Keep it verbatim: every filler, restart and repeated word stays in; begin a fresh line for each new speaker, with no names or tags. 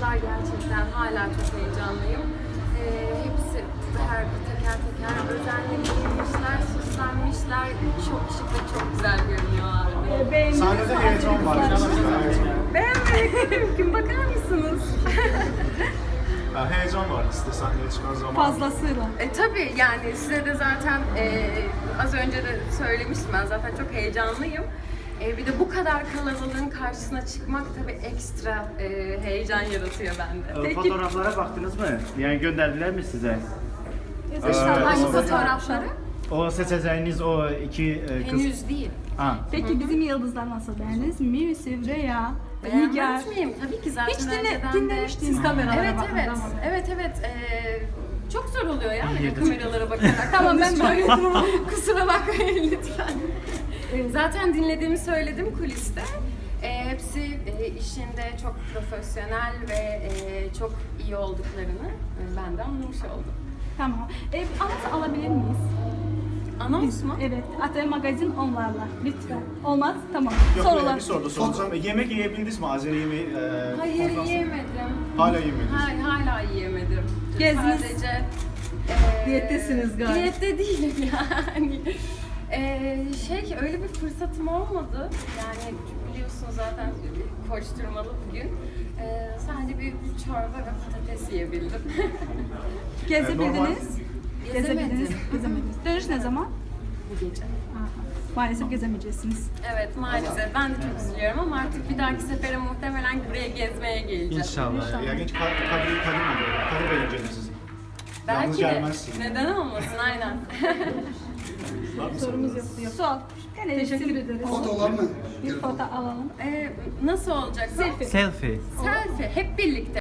kadar gerçekten hala çok heyecanlıyım. Ee, hepsi her bir teker teker özenle giyinmişler, süslenmişler. Çok şık ve çok güzel görünüyorlardı.
Beğendiniz
Sahnede
mi
heyecan var.
hazırlıkları?
Beğenmedik mümkün, bakar mısınız?
Ha, heyecan var işte sahneye çıkan zaman.
Fazlasıyla.
E tabii yani size de zaten e, az önce de söylemiştim, ben zaten çok heyecanlıyım. E, bir de bu kadar kalabalığın karşısına çıkmak tabii ekstra e, heyecan yaratıyor bende.
Ee, Fotoğraflara baktınız mı? Yani gönderdiler mi size?
Ee,
Hangi fotoğrafları?
O seçeceğiniz o iki e, kız...
Henüz değil.
Ha.
Peki bizim yıldızlar nasıl, beğendiniz mi? Yusuf, Rüya, Nigar.
Beğenmez miyim? Tabii ki zaten
Hiç dinle,
önceden de-
dinlemiştiniz kameralara
Evet
bakın,
evet,
tamam.
evet evet. Ee, çok zor oluyor ya böyle
İyi de-
kameralara bakarak.
Tamam, ben
böyle kusura bakmayın lütfen. Zaten dinlediğimi söyledim kuliste. Ee, hepsi e, işinde çok profesyonel ve e, çok iyi olduklarını e, ben de anlamış oldum.
Tamam. E, anons alabilir miyiz?
Anons mu?
Evet. A T magazin onlarla. Lütfen. Olmaz? Tamam.
Yok,
Sorular.
bir soru da soracağım. E, yemek yiyebildiniz mi? Azeri yemeği e,
Hayır
konferansında?
yiyemedim.
Hala yemediniz.
Hayır, hala yiyemedim.
Gezdiniz.
Sadece... e,
Diyettesiniz galiba.
Diyette değilim yani. E, şey, öyle bir fırsatım olmadı. Yani biliyorsun zaten koşturmalı bugün. E, sadece bir çorba ve patates yiyebildim.
Gezebildiniz.
normal.
Gezebildiniz.
Gezemedim.
Gezemediniz. Dönüş ne zaman?
Bu gece.
Aha. Maalesef gezemeyeceksiniz.
Evet maalesef. Ben de çok üzülüyorum ama artık bir dahaki sefere muhtemelen buraya gezmeye geleceğim.
İnşallah.
E, ilginç Kadir Kadir Kadir mi? Kadir Bey'in sizi. Yalnız
Belki de.
gelmezsin.
Neden olmasın aynen.
Sorumuz yoktu. Yok. Sol. Teşekkür ederiz.
Fotoğraflar mı?
Bir foto alalım.
Ee, nasıl olacak?
Selfie.
Selfie.
Selfie. Hep birlikte.